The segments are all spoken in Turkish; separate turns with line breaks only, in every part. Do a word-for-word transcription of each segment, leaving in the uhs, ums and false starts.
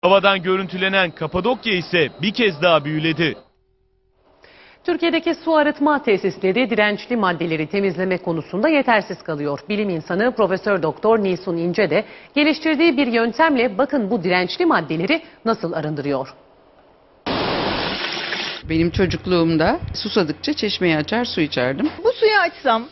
Havadan görüntülenen Kapadokya ise bir kez daha büyüledi.
Türkiye'deki su arıtma tesisleri dirençli maddeleri temizleme konusunda yetersiz kalıyor. Bilim insanı Profesör Doktor Nilsun İnce de geliştirdiği bir yöntemle bakın bu dirençli maddeleri nasıl arındırıyor.
Benim çocukluğumda susadıkça çeşmeyi açar su içerdim.
Bu suyu açsam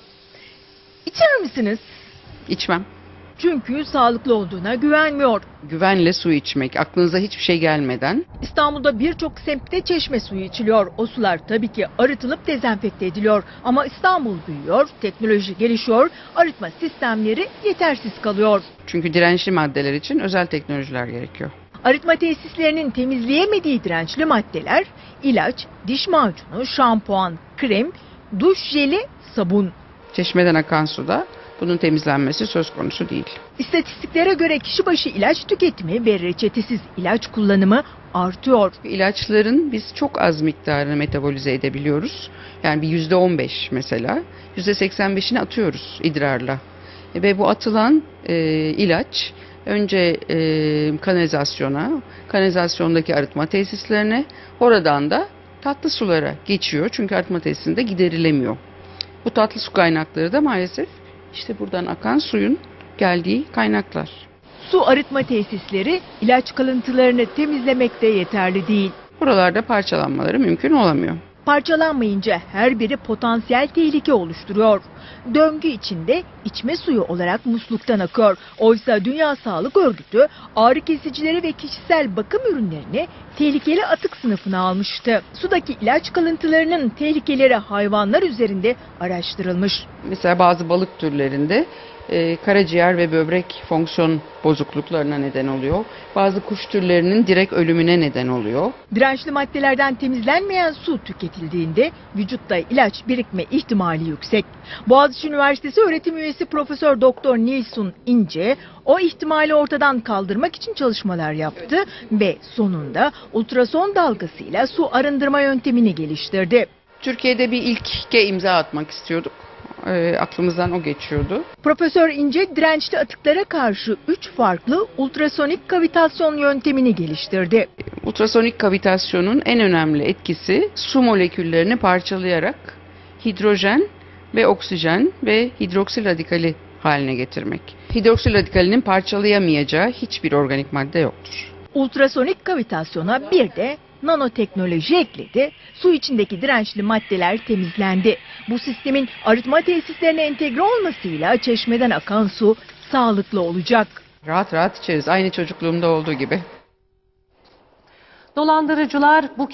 içer misiniz?
İçmem.
Çünkü sağlıklı olduğuna güvenmiyor.
Güvenle su içmek, aklınıza hiçbir şey gelmeden.
İstanbul'da birçok semtte çeşme suyu içiliyor. O sular tabii ki arıtılıp dezenfekte ediliyor. Ama İstanbul büyüyor, teknoloji gelişiyor, arıtma sistemleri yetersiz kalıyor.
Çünkü dirençli maddeler için özel teknolojiler gerekiyor.
Arıtma tesislerinin temizleyemediği dirençli maddeler ilaç, diş macunu, şampuan, krem, duş jeli, sabun.
Çeşmeden akan suda bunun temizlenmesi söz konusu değil.
İstatistiklere göre kişi başı ilaç tüketimi ve reçetesiz ilaç kullanımı artıyor.
İlaçların biz çok az miktarını metabolize edebiliyoruz. Yani bir yüzde on beş mesela, yüzde seksen beşini atıyoruz idrarla. Ve bu atılan e, ilaç önce e, kanalizasyona, kanalizasyondaki arıtma tesislerine, oradan da tatlı sulara geçiyor. Çünkü arıtma tesisinde giderilemiyor. Bu tatlı su kaynakları da maalesef işte buradan akan suyun geldiği kaynaklar.
Su arıtma tesisleri ilaç kalıntılarını temizlemekte yeterli değil.
Buralarda parçalanmaları mümkün olamıyor.
Parçalanmayınca her biri potansiyel tehlike oluşturuyor. Döngü içinde içme suyu olarak musluktan akıyor. Oysa Dünya Sağlık Örgütü ağrı kesicileri ve kişisel bakım ürünlerini tehlikeli atık sınıfına almıştı. Sudaki ilaç kalıntılarının tehlikeleri hayvanlar üzerinde araştırılmış.
Mesela bazı balık türlerinde e, karaciğer ve böbrek fonksiyon bozukluklarına neden oluyor. Bazı kuş türlerinin direkt ölümüne neden oluyor.
Dirençli maddelerden temizlenmeyen su tüketildiğinde vücutta ilaç birikme ihtimali yüksek. Boğaziçi Üniversitesi öğretim üyesi Profesör Doktor Nilsun İnce o ihtimali ortadan kaldırmak için çalışmalar yaptı ve sonunda ultrason dalgasıyla su arındırma yöntemini geliştirdi.
Türkiye'de bir ilke imza atmak istiyorduk. E, aklımızdan o geçiyordu.
Profesör İnce dirençli atıklara karşı üç farklı ultrasonik kavitasyon yöntemini geliştirdi.
Ultrasonik kavitasyonun en önemli etkisi su moleküllerini parçalayarak hidrojen ve oksijen ve hidroksil radikali haline getirmek. Hidroksil radikalinin parçalayamayacağı hiçbir organik madde yoktur.
Ultrasonik kavitasyona bir de nanoteknoloji ekledi. Su içindeki dirençli maddeler temizlendi. Bu sistemin arıtma tesislerine entegre olmasıyla çeşmeden akan su sağlıklı olacak.
Rahat rahat içeriz. Aynı çocukluğumda olduğu gibi.
Dolandırıcılar bu